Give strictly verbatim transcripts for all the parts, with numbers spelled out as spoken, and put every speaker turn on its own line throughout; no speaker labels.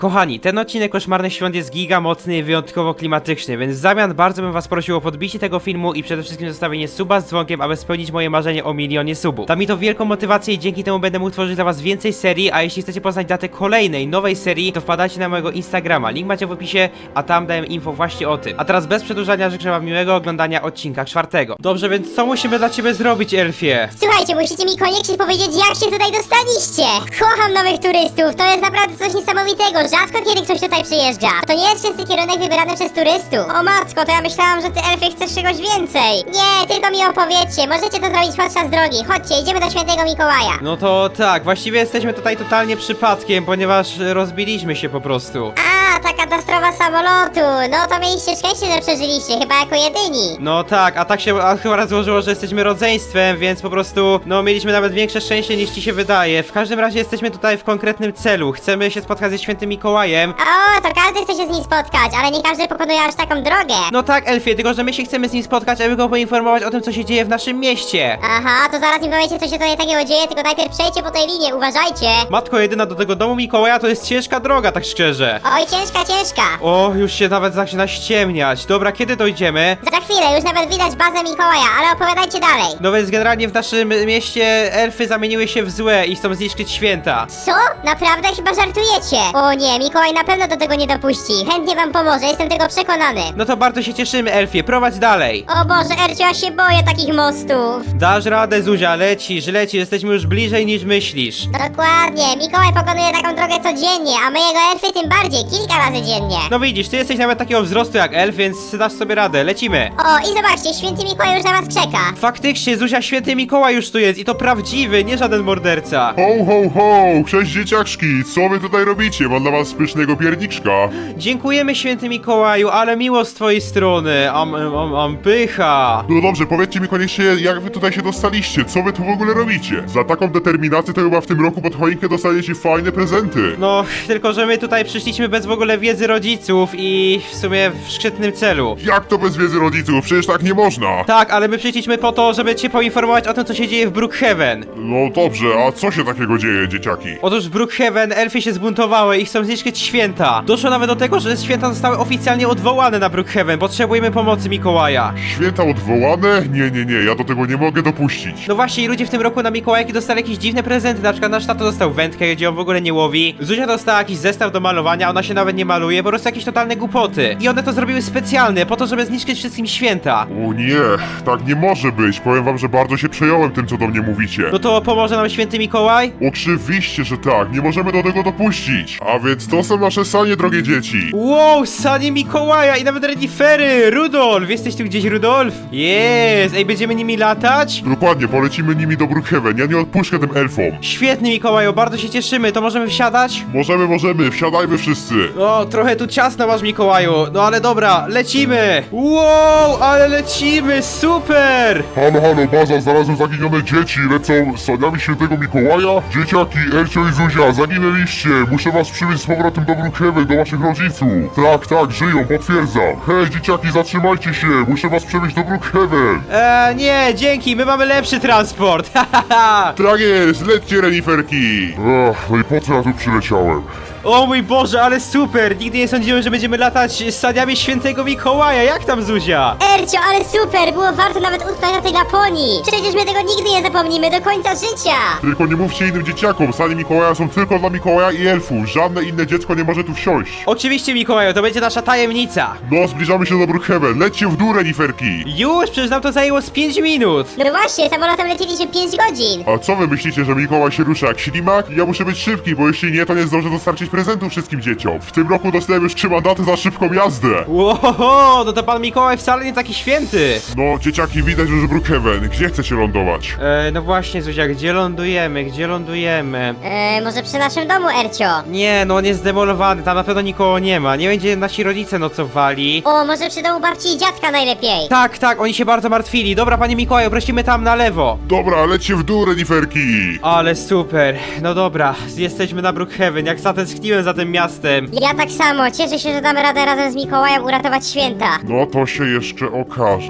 Kochani, ten odcinek Koszmarnych Świąt jest giga mocny i wyjątkowo klimatyczny, więc w zamian bardzo bym was prosił o podbicie tego filmu i przede wszystkim zostawienie suba z dzwonkiem, aby spełnić moje marzenie o milionie subów. Da mi to wielką motywację i dzięki temu będę mógł tworzyć dla was więcej serii, a jeśli chcecie poznać datę kolejnej, nowej serii, to wpadajcie na mojego Instagrama, link macie w opisie, a tam dałem info właśnie o tym. A teraz bez przedłużania życzę wam miłego oglądania odcinka czwartego. Dobrze, więc co musimy dla ciebie zrobić, Elfie?
Słuchajcie, musicie mi koniecznie powiedzieć, jak się tutaj dostaliście. Kocham nowych turystów, to jest naprawdę coś niesamowitego. Rzadko kiedy ktoś tutaj przyjeżdża. To nie jest częsty kierunek wybrany przez turystów. O matko, to ja myślałam, że ty, Elfie, chcesz czegoś więcej. Nie, tylko mi opowiedzcie, możecie to zrobić podczas drogi. Chodźcie, idziemy do świętego Mikołaja.
No to tak, właściwie jesteśmy tutaj totalnie przypadkiem, ponieważ rozbiliśmy się po prostu.
A, ta katastrofa samolotu. No to mieliście szczęście, że przeżyliście, chyba jako jedyni.
No tak, a tak się akurat złożyło, że jesteśmy rodzeństwem, więc po prostu, no mieliśmy nawet większe szczęście niż ci się wydaje. W każdym razie jesteśmy tutaj w konkretnym celu. Chcemy się spotkać ze świętym Mikołajem.
O, to każdy chce się z nim spotkać, ale nie każdy pokonuje aż taką drogę.
No tak, Elfie, tylko że my się chcemy z nim spotkać, aby go poinformować o tym, co się dzieje w naszym mieście.
Aha, to zaraz mi powiecie, co się tutaj takiego dzieje, tylko najpierw przejdźcie po tej linie, uważajcie.
Matko jedyna, do tego domu Mikołaja to jest ciężka droga, tak szczerze.
Oj, ciężka, ciężka.
O, już się nawet zaczyna ściemniać. Dobra, kiedy dojdziemy?
Za chwilę, już nawet widać bazę Mikołaja, ale opowiadajcie dalej.
No więc generalnie w naszym mieście elfy zamieniły się w złe i chcą zniszczyć święta.
Co? Naprawdę? Chyba żartujecie. O nie, Mikołaj na pewno do tego nie dopuści. Chętnie wam pomoże, jestem tego przekonany.
No to bardzo się cieszymy, Elfie, prowadź dalej.
O Boże, Ercio, ja się boję takich mostów.
Dasz radę, Zuzia, lecisz, lecisz, jesteśmy już bliżej niż myślisz.
Dokładnie, Mikołaj pokonuje taką drogę codziennie, a my jego elfy tym bardziej, kilka razy dziennie.
No widzisz, ty jesteś nawet takiego wzrostu jak elf, więc dasz sobie radę, lecimy.
O, i zobaczcie, święty Mikołaj już na was czeka.
Faktycznie, Zuzia, święty Mikołaj już tu jest i to prawdziwy, nie żaden morderca.
Ho, ho, ho! Cześć dzieciaczki! Co wy tutaj robicie? Mam dla was pysznego pierniczka.
Dziękujemy, święty Mikołaju, ale miło z twojej strony. Am, am, am, pycha.
No dobrze, powiedzcie mi koniecznie, jak wy tutaj się dostaliście? Co wy tu w ogóle robicie? Za taką determinację to chyba w tym roku pod choinkę dostaniecie fajne prezenty.
No, tylko że my tutaj przyszliśmy bez w ogóle wiedzy rodziców i w sumie w szczytnym celu.
Jak to bez wiedzy rodziców? Przecież tak nie można.
Tak, ale my przyszliśmy po to, żeby cię poinformować o tym, co się dzieje w Brookhaven.
No dobrze, a co się takiego dzieje, dzieciaki?
Otóż w Brookhaven elfy się zbuntowały i chcą zniszczyć święta. Doszło nawet do tego, że święta zostały oficjalnie odwołane na Brookhaven. Potrzebujemy pomocy Mikołaja.
Święta odwołane? Nie, nie, nie, ja do tego nie mogę dopuścić.
No właśnie, i ludzie w tym roku na Mikołajki dostali jakieś dziwne prezenty. Na przykład nasz tato dostał wędkę, gdzie on w ogóle nie łowi. Zuzia dostała jakiś zestaw do malowania, ona się nawet nie maluje, po prostu jakieś totalne głupoty. I one to zrobiły specjalnie, po to, żeby zniszczyć wszystkim święta.
O nie, tak nie może być. Powiem wam, że bardzo się przejąłem tym, co do mnie mówicie.
No to pomoże nam święty Mikołaj?
Oczywiście, że tak, nie możemy do tego dopuścić. A więc to są nasze sanie, drogie dzieci.
Wow, sanie Mikołaja i nawet renifery! Rudolf! Jesteś tu gdzieś, Rudolf? Jest! Ej, będziemy nimi latać?
Dokładnie, polecimy nimi do Brookhaven, ja nie odpuszczę tym elfom.
Świetny, Mikołaju, bardzo się cieszymy, to możemy wsiadać?
Możemy, możemy, wsiadajmy wszyscy.
O, trochę tu ciasno masz, Mikołaju, no ale dobra, lecimy! Wow, ale lecimy, super!
Halo, halo, baza, znalazłem zaginione dzieci, lecą saniami świętego Mikołaja. Dzieciaki, Ercio i Zuzia, zaginęliście, muszę was przywieźć z powrotem do Brookhaven, do waszych rodziców. Tak, tak, żyją, potwierdzam. Hej, dzieciaki, zatrzymajcie się, muszę was przewieźć do Brookhaven.
Eee, nie, dzięki, my mamy lepszy transport, ha, ha, ha.
Tak jest, lećcie, reniferki. Ach, no i po co ja tu przyleciałem?
O mój Boże, ale super, nigdy nie sądziłem, że będziemy latać z saniami świętego Mikołaja, jak tam, Zuzia?
Ercio, ale super, było warto nawet utknąć na tej Laponii. Przecież my tego nigdy nie zapomnimy do końca życia.
Tylko nie mówcie innym dzieciakom, sanie Mikołaja są tylko dla Mikołaja i elfów, żadne inne dziecko nie może tu wsiąść.
Oczywiście, Mikołaju, to będzie nasza tajemnica.
No, zbliżamy się do Brookhaven, lećcie w dół, reniferki.
Już, przecież nam to zajęło z pięć minut.
No właśnie, samolotem lecieliśmy pięć godzin.
A co wy myślicie, że Mikołaj się rusza jak ślimak? Ja muszę być szybki, bo jeśli nie, to nie zdążę dostarczyć prezentów wszystkim dzieciom. W tym roku dostałem już trzy mandaty za szybką jazdę.
Łohoho, no to pan Mikołaj wcale nie taki święty.
No, dzieciaki, widać już Brookhaven. Gdzie chcecie lądować?
E, no właśnie, Zuzia, gdzie lądujemy, gdzie lądujemy?
Eee, może przy naszym domu, Ercio?
Nie, no on jest zdemolowany, tam na pewno nikogo nie ma, nie będzie nasi rodzice nocowali.
O, może przy domu babci i dziadka najlepiej.
Tak, tak, oni się bardzo martwili. Dobra, panie Mikołaju, prosimy tam na lewo.
Dobra, lećcie w dół, reniferki.
Ale super, no dobra, jesteśmy na Brookhaven, jak zatęskniłem za tym miastem.
Ja tak samo, cieszę się, że damy radę razem z Mikołajem uratować święta.
No to się jeszcze okaże.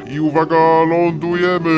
i uwaga, lądujemy.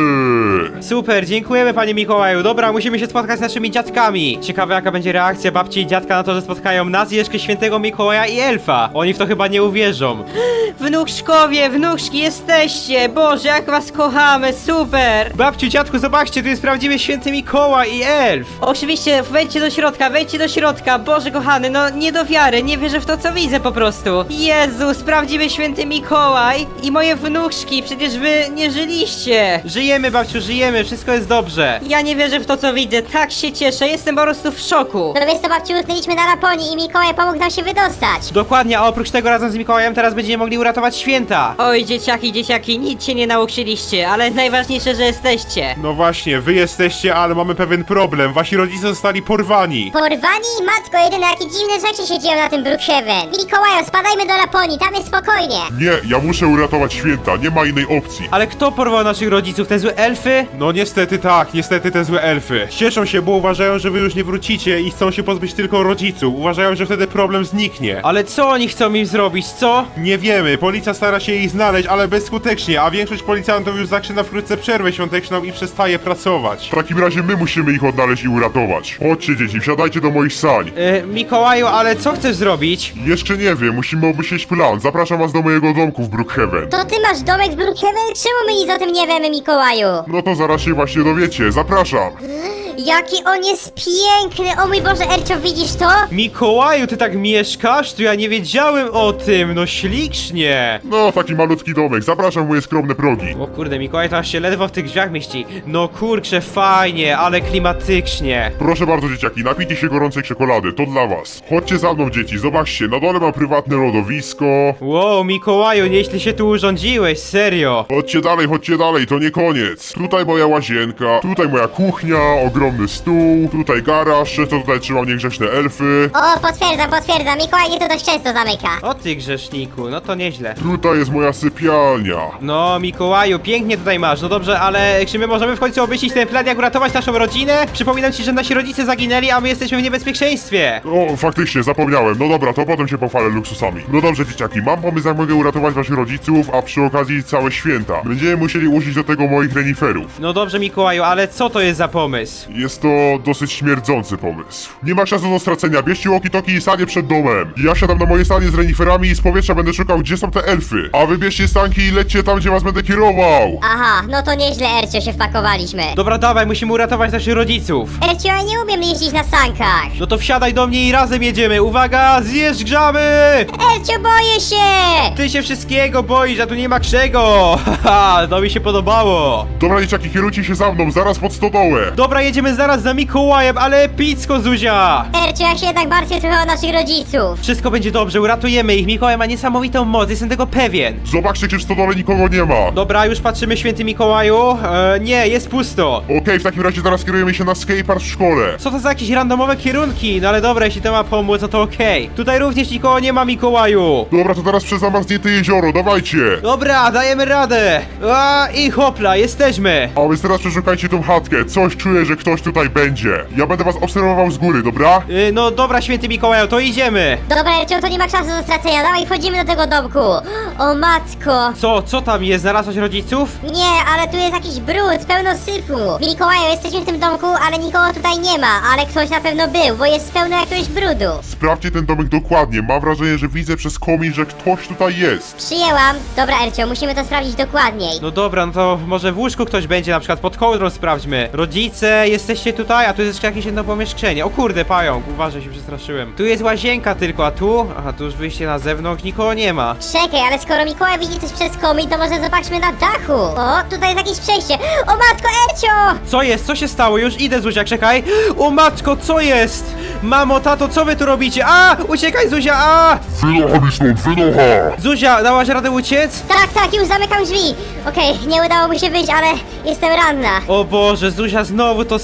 Super, dziękujemy panie Mikołaju. Dobra, musimy się spotkać z naszymi dziadkami. Ciekawe jaka będzie reakcja babci i dziadka na to, że spotkają nas, jeszcze świętego Mikołaja i elfa. Oni w to chyba nie uwierzą.
Wnuczkowie, wnuczki jesteście! Boże, jak was kochamy, super!
Babciu, dziadku, zobaczcie, tu jest prawdziwy święty Mikołaj i elf.
Oczywiście, wejdźcie do środka, wejdźcie do środka, Boże kochany, no nie do wiary, nie wierzę w to, co widzę po prostu. Jezus, prawdziwy święty Mikołaj i moje wnuczki, przecież wy nie żyliście.
Żyjemy, babciu, żyjemy, wszystko jest dobrze.
Ja nie wierzę w to, co widzę, tak się cieszę, jestem po prostu w szoku.
No wiesz co, babciu, utknęliśmy na Laponii i Mikołaj pomógł nam się wydostać.
Dokładnie, a oprócz tego razem z Mikołajem teraz będziemy mogli uratować święta.
Oj, dzieciaki, dzieciaki, nic się nie nauczyliście, ale najważniejsze, że jesteście.
No właśnie, wy jesteście, ale mamy pewien problem. Wasi rodzice zostali porwani.
Porwani? Matko, jedyne jakie dziwne rzeczy się dzieją na tym Brookhaven. Mikołaju, spadajmy do Laponii, tam jest spokojnie.
Nie, ja muszę uratować święta, nie ma innej opcji.
Ale kto porwał naszych rodziców? Te złe elfy?
No niestety tak, niestety te złe elfy. Cieszą się, bo uważają, że wy już nie wrócicie i chcą się pozbyć tylko rodziców. Uważają, że wtedy problem zniknie.
Ale co oni chcą im zrobić, co?
Nie wiemy, policja stara się ich znaleźć, ale bezskutecznie, a większość policjantów już zaczyna wkrótce przerwę świąteczną i przestaje pracować.
W takim razie my musimy ich odnaleźć i uratować. Chodźcie dzieci, wsiadajcie do moich sań.
Yy, Mikołaju, ale co chcesz zrobić?
Jeszcze nie wiem, musimy obmyślić plan. Zapraszam was do mojego domku w Brookhaven.
To ty masz domek w Brookhaven? Czemu my nic o tym nie wiemy, Mikołaju?
No to zaraz się właśnie dowiecie, zapraszam.
Jaki on jest piękny! O mój Boże, Ercio, widzisz to?
Mikołaju, ty tak mieszkasz? To ja nie wiedziałem o tym, no ślicznie.
No, taki malutki domek, zapraszam w moje skromne progi.
O kurde, Mikołaj to aż się ledwo w tych drzwiach mieści. No kurczę, fajnie, ale klimatycznie.
Proszę bardzo dzieciaki, napijcie się gorącej czekolady, to dla was. Chodźcie za mną dzieci, zobaczcie, na dole mam prywatne lodowisko.
Wow, Mikołaju, nieźle się tu urządziłeś, serio.
Chodźcie dalej, chodźcie dalej, to nie koniec. Tutaj moja łazienka, tutaj moja kuchnia, ogromny stół, tutaj garaż, to tutaj trzymam niegrzeczne elfy.
O, potwierdzam, potwierdzam, Mikołaj nie to dość często zamyka.
O ty grzeszniku, no to nieźle.
Tutaj jest moja sypialnia.
No, Mikołaju, pięknie tutaj masz, no dobrze, ale czy my możemy w końcu obmyślić ten plan, jak uratować naszą rodzinę? Przypominam ci, że nasi rodzice zaginęli, a my jesteśmy w niebezpieczeństwie.
O, faktycznie, zapomniałem. No dobra, to potem się pochwalę luksusami. No dobrze, dzieciaki, mam pomysł, jak mogę uratować waszych rodziców, a przy okazji całe święta. Będziemy musieli użyć do tego moich reniferów.
No dobrze, Mikołaju, ale co to jest za pomysł?
Jest to dosyć śmierdzący pomysł. Nie ma czasu do stracenia, bierzcie walkie-talkie i sanie przed domem. Ja siadam na moje stanie z reniferami i z powietrza będę szukał, gdzie są te elfy. A wy bierzcie stanki i lećcie tam, gdzie was będę kierował.
Aha, no to nieźle, Ercio, się wpakowaliśmy.
Dobra, dawaj, musimy uratować naszych rodziców.
Ercio, ja nie umiem jeździć na sankach.
No to wsiadaj do mnie i razem jedziemy. Uwaga, zjeżdżamy!
Ercio, boję się!
Ty się wszystkiego boisz, a tu nie ma czego. Haha, to mi się podobało.
Dobra, dzieciaki, kierujcie się za mną, zaraz pod stodołę.
Dobra, jedziemy zaraz za Mikołajem, ale epicko, Zuzia.
Ercio, ja się jednak martwię trochę o naszych rodziców.
Wszystko będzie dobrze, uratujemy ich. Mikołaj ma niesamowitą moc, jestem tego pewien.
Zobaczcie, czy w stodole nikogo nie ma.
Dobra, już patrzymy, święty Mikołaju. E, nie, jest pusto.
Okej, w takim razie zaraz kierujemy się na skatepark w szkole.
Co to za jakieś randomowe kierunki? No ale dobra, jeśli to ma pomóc, no to okej. Tutaj również nikogo nie ma, Mikołaju.
Dobra, to teraz przez zamarznięte jezioro, dawajcie.
Dobra, dajemy radę. A, i hopla, jesteśmy.
A więc teraz przeszukajcie tą chatkę, coś czuję, że ktoś tutaj będzie. Ja będę was obserwował z góry, dobra?
Y, no dobra, święty Mikołaju, to idziemy.
Dobra, Ercio, to nie ma czasu do stracenia, dawaj, wchodzimy do tego domku. O matko.
Co, co tam jest? Znalazłaś rodziców?
Nie, ale tu jest jakiś brud, pełno syfu. Mikołaju, jesteśmy w tym domku, ale nikogo tutaj nie ma, ale ktoś na pewno był, bo jest pełno jakiegoś brudu.
Sprawdźcie ten domek dokładnie, mam wrażenie, że widzę przez komin, że ktoś tutaj jest.
Przyjęłam. Dobra, Ercio, musimy to sprawdzić dokładniej.
No dobra, no to może w łóżku ktoś będzie, na przykład pod kołdrą sprawdźmy. Rodzice, jesteście tutaj, a tu jest jeszcze jakieś jedno pomieszczenie. O kurde, pająk, uważaj, się przestraszyłem. Tu jest łazienka tylko, a tu? Aha, tu już wyjście na zewnątrz, nikogo nie ma.
Czekaj, ale skoro Mikołaj widzi coś przez komin, to może zobaczmy na dachu. O, tutaj jest jakieś przejście. O matko, Ercio!
Co jest? Co się stało? Już idę, Zuzia, czekaj. O matko, co jest? Mamo, tato, co wy tu robicie? A! Uciekaj, Zuzia, a!
Wynocha mi stąd, wynocha!
Zuzia, dałaś radę uciec?
Tak, tak, już zamykam drzwi. Okej, nie udało mi się wyjść, ale jestem ranna.
O Boże, Zuzia znowu to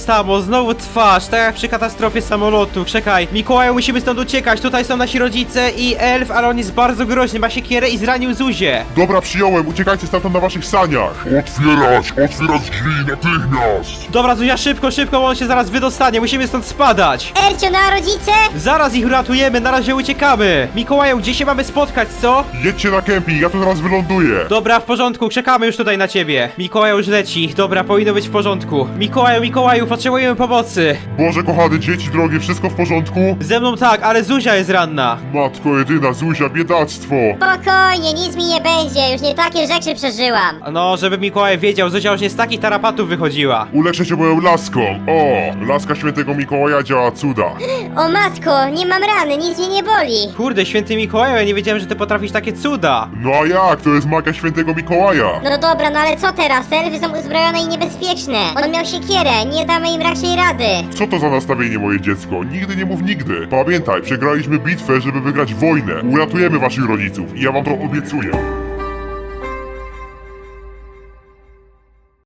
samo, znowu twarz, tak jak przy katastrofie samolotu. Czekaj, Mikołaju, musimy stąd uciekać, tutaj są nasi rodzice i elf, ale on jest bardzo groźny, ma siekierę i zranił Zuzię.
Dobra, przyjąłem, uciekajcie stamtąd na waszych saniach. Otwierać, otwierać drzwi natychmiast.
Dobra, Zuzia, szybko, szybko, bo on się zaraz wydostanie, musimy stąd spadać.
Ercio, no a rodzice?
Zaraz ich uratujemy, na razie uciekamy. Mikołaju, gdzie się mamy spotkać, co?
Jedźcie na kemping, ja tu zaraz wyląduję.
Dobra, w porządku, czekamy już tutaj na ciebie. Mikołaj już leci, dobra, powinno być w porządku. Mikołaju, Mikołaju, potrzebujemy pomocy.
Boże kochany, dzieci drogie, wszystko w porządku?
Ze mną tak, ale Zuzia jest ranna.
Matko jedyna, Zuzia, biedactwo.
Spokojnie, nic mi nie będzie, już nie takie rzeczy przeżyłam.
No, żeby Mikołaj wiedział, Zuzia już nie z takich tarapatów wychodziła.
Uleczę cię moją laską. O, laska świętego Mikołaja działa cuda.
O matko, nie mam rany, nic mnie nie boli.
Kurde, święty Mikołaju, ja nie wiedziałem, że ty potrafisz takie cuda.
No a jak? To jest magia świętego Mikołaja.
No dobra, no ale co teraz? Te elfy są uzbrojone i niebezpieczne. On miał siekierę, nie damy im raczej rady.
Co to za nastawienie, moje dziecko? Nigdy nie mów nigdy. Pamiętaj, przegraliśmy bitwę, żeby wygrać wojnę. Uratujemy waszych rodziców i ja wam to obiecuję.